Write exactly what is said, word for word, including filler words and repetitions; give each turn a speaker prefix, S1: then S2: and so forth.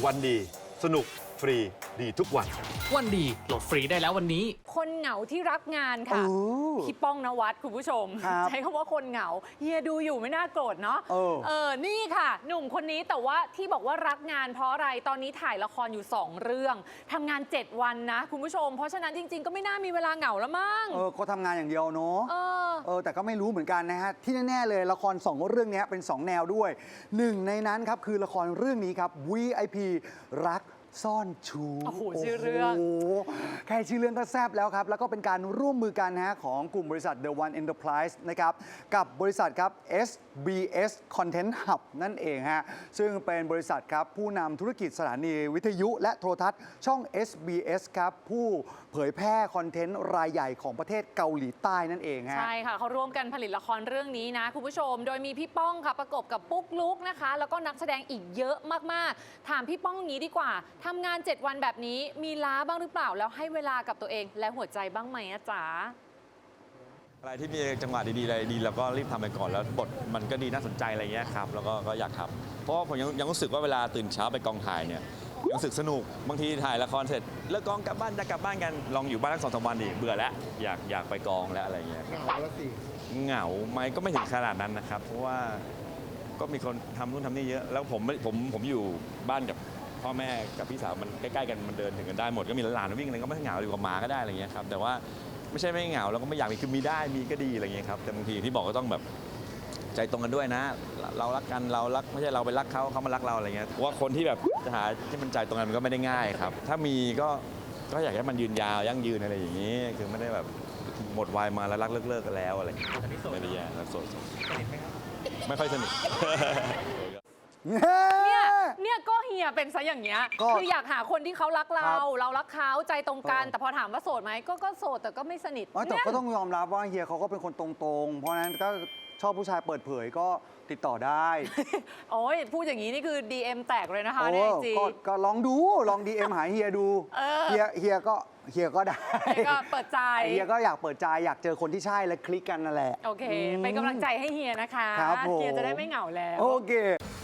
S1: วันดีสนุกฟรีดีทุกวัน
S2: วันดีโหลดฟรีได้แล้ววันนี้
S3: คนเหงาที่รักงานค่ะพี่ป้องนวัดคุณผู้ชมใช้คำว่าคนเหงาเฮียดูอยู่ไม่น่าโกรธเนาะเออเออนี่ค่ะหนุ่มคนนี้แต่ว่าที่บอกว่ารักงานเพราะอะไรตอนนี้ถ่ายละครอยู่สองเรื่องทำงานเจ็ดวันนะคุณผู้ชมเพราะฉะนั้นจริงๆก็ไม่น่ามีเวลาเหงาแล้วมั้ง
S4: เออเขาทำงานอย่างเดียวเนาะเอ
S3: อ
S4: เออแต่ก็ไม่รู้เหมือนกันนะฮะที่แน่ๆเลยละครสองเรื่องนี้เป็นสองแนวด้วยหนึ่งในนั้นครับคือละครเรื่องนี้ครับ วี ไอ พี รักซ่อนชู
S3: โอ้โหชื่อเรื่อง
S4: โอ้โหแค่ชื่อเรื่องก็แซ่บแล้วครับแล้วก็เป็นการร่วมมือกันนะฮะของกลุ่มบริษัท The One Enterprise นะครับกับบริษัทครับ เอส บี เอส Content Hub นั่นเองฮะซึ่งเป็นบริษัทครับผู้นำธุรกิจสถานีวิทยุและโทรทัศน์ช่อง เอส บี เอส ครับผู้เผยแพร่คอนเทนต์รายใหญ่ของประเทศเกาหลีใต้นั่นเองฮะ
S3: ใช่ค่ะเขาร่วมกันผลิตละครเรื่องนี้นะคุณผู้ชมโดยมีพี่ป้องค่ะประกบกับปุ๊กลุกนะคะแล้วก็นักแสดงอีกเยอะมากๆถามพี่ป้องงี้ดีกว่าทำงานเจ็ดวันแบบนี้มีล้าบ้างหรือเปล่าแล้วให้เวลากับตัวเองและหัวใจบ้างไหมอะจ๋า
S5: อะไรที่มีจังหวะดีๆอะไรดีแล้วก็รีบทำไปก่อนแล้วบทมันก็ดีน่าสนใจอะไรเงี้ยครับแล้วก็ก็อยากทำเพราะว่าผมยังยังรู้สึกว่าเวลาตื่นเช้าไปกองถ่ายเนี่ยยังรู้สึกสนุกบางทีถ่ายละครเสร็จเลิกกองกลับบ้านจะกลับบ้านกันลองอยู่บ้านทั้งสองสามวันดิเบื่อแล้วอยากอยากไปกองแล้วอะไรเงี้ยเหงาแล้วสิเหงาไหมก็ไม่ถึงขนาดนั้นนะครับเพราะว่าก็มีคนทำนู่นทำนี่เยอะแล้วผมผมผมอยู่บ้านกับพ่อแม่กับพี่สาวมันใกล้ๆกันมันเดินถึงกันได้หมดก็มีหลานๆวิ่งอะไรก็ไม่เหงาอยู่กับหมาก็ได้อะไรเงี้ยครับแต่ว่าไม่ใช่ไม่เหงาเราก็ไม่อยากมีคือมีได้มีก็ดีอะไรเงี้ยครับแต่บางทีที่บอกก็ต้องแบบใจตรงกันด้วยนะเรารักกันเรารักไม่ใช่เราไปรักเขาเขามารักเราอะไรเงี้ยว่าคนที่แบบจะหาที่มันใจตรงกันมันก็ไม่ได้ง่ายครับถ้ามีก็ก็อยากให้มันยืนยาวยั่งยืนอะไรอย่างนี้คือไม่ได้แบบหมดวัยมาแล้วรักเลิกๆกันแล้วอะไรไม่ได้แย่รักโสดไม่ค่อยสนิท
S3: เนี่ยเนี่ยก็เฮียเป็นซะอย่างเงี้ยคืออยากหาคนที่เขารักเราเรารักเขาใจตรงกันแต่พอถามว่าโสดไหมก็ก็โสดแต่ก็ไม่สนิท
S4: แต่ก็ต้องยอมรับว่าเฮียเขาก็เป็นคนตรงๆเพราะฉะนั้นก็ชอบผู้ชายเปิดเผยก็ติดต่อได้
S3: โอ้ยพูดอย่างนี้นี่คือ ดี เอ็ม แตกเลยนะคะเนี่ยจริง
S4: ก็ลองดูลอง ดี เอ็ม หาเฮียดูเฮียเฮียก็เฮียก็ได้
S3: ก็เปิดใจ
S4: เฮียก็อยากเปิดใจอยากเจอคนที่ใช่และคลิกกันนั่นแหละ
S3: โอเคเป็นกำลังใจให้เฮียนะคะเฮียจะได้ไม่เหงาแล้ว
S4: โอเค